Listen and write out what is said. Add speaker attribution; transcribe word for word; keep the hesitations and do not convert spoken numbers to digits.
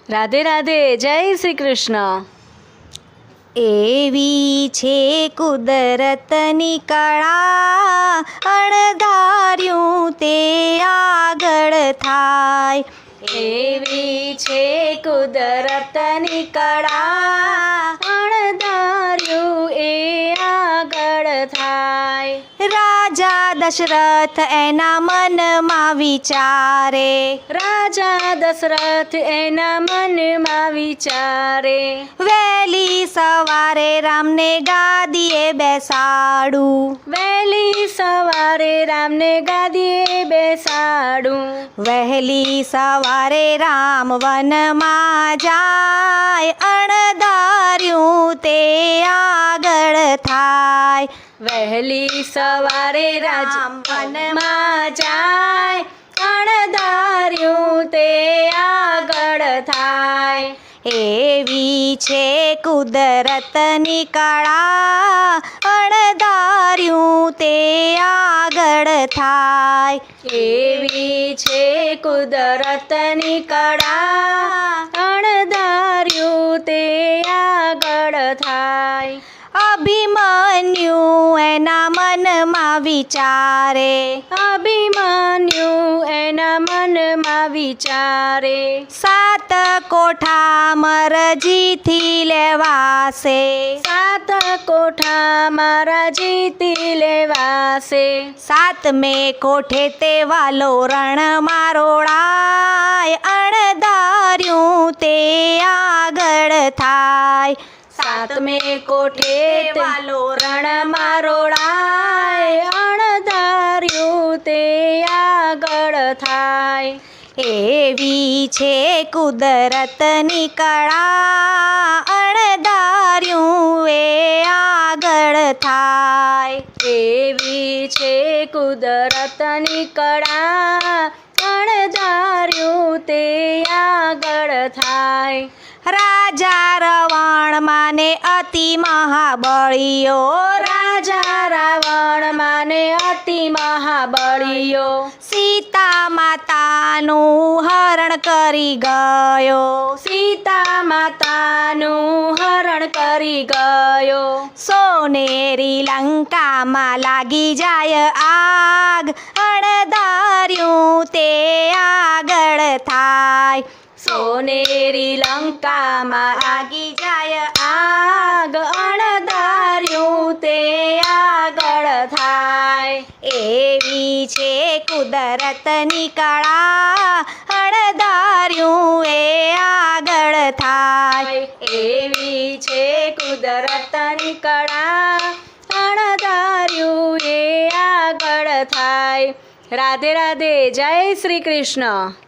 Speaker 1: રાધે રાધે, જય શ્રી કૃષ્ણ.
Speaker 2: એવી છે કુદરતની કળા, અણધાર્યું તે આગળ થાય.
Speaker 1: એવી છે કુદરતની કળા, અણધાર્યું એ આગળ થાય.
Speaker 2: રાજા દશરથ એના મનમાં વિચારે,
Speaker 1: રાજા દશરથ એના મનમાં વિચારે,
Speaker 2: વહેલી સવારે રામને ગાદીએ બેસાડું,
Speaker 1: વહેલી સવારે રામને ગાદીએ બેસાડું.
Speaker 2: વહેલી સવારે રામ વનમાં જાય, અણધાર્યું તે આગળ થાય.
Speaker 1: વહેલી સવારે રામ વનમાં જાય, અણધાર્યું તે આગળ થાય.
Speaker 2: એવી છે કુદરતની કળા, અણધાર્યું તે આગળ થાય.
Speaker 1: એવી છે કુદરતની કળા, અણધાર્યું તે આગળ થાય.
Speaker 2: અભિમન્યુ એના મનમાં વિચારે,
Speaker 1: અભિમન્યુ એના મનમાં વિચારે,
Speaker 2: સાત કોઠા મરજીથી લેવાશે,
Speaker 1: સાત કોઠા મારા જીતી લેવાશે.
Speaker 2: સાતમે કોઠે તે વાલો રણ મારોડાય, અણધાર્યું તે આગળ થાય.
Speaker 1: સાતમે કોઠે વાલો રણ મારોડાય, અણધાર્યું તે આગળ થાય.
Speaker 2: એવી છે કુદરતની કળા, અણધાર્યું એ આગળ થાય.
Speaker 1: એવી છે કુદરતની કળા, અણધાર્યું તે આગળ થાય.
Speaker 2: રાજા રવણ માને અતિ મહાબળીયો,
Speaker 1: રાજા રાવણ માને અતિ મહાબળીયો,
Speaker 2: સીતા માતાનું હરણ કરી ગયો,
Speaker 1: સીતા માતાનું હરણ કરી ગયો.
Speaker 2: સોનેરી લંકામાં લાગી જાય આગ, અણધાર્યું તે આગળ થાય.
Speaker 1: સોનેરી લંકામાં લાગી જાય આગ, અણધાર્યું તે આગળ થાય.
Speaker 2: એવી છે કુદરતની કળા, અણધાર્યું એ આગળ થાય.
Speaker 1: એવી છે કુદરતની કળા, અણધાર્યું એ આગળ થાય. રાધે રાધે, જય શ્રી કૃષ્ણ.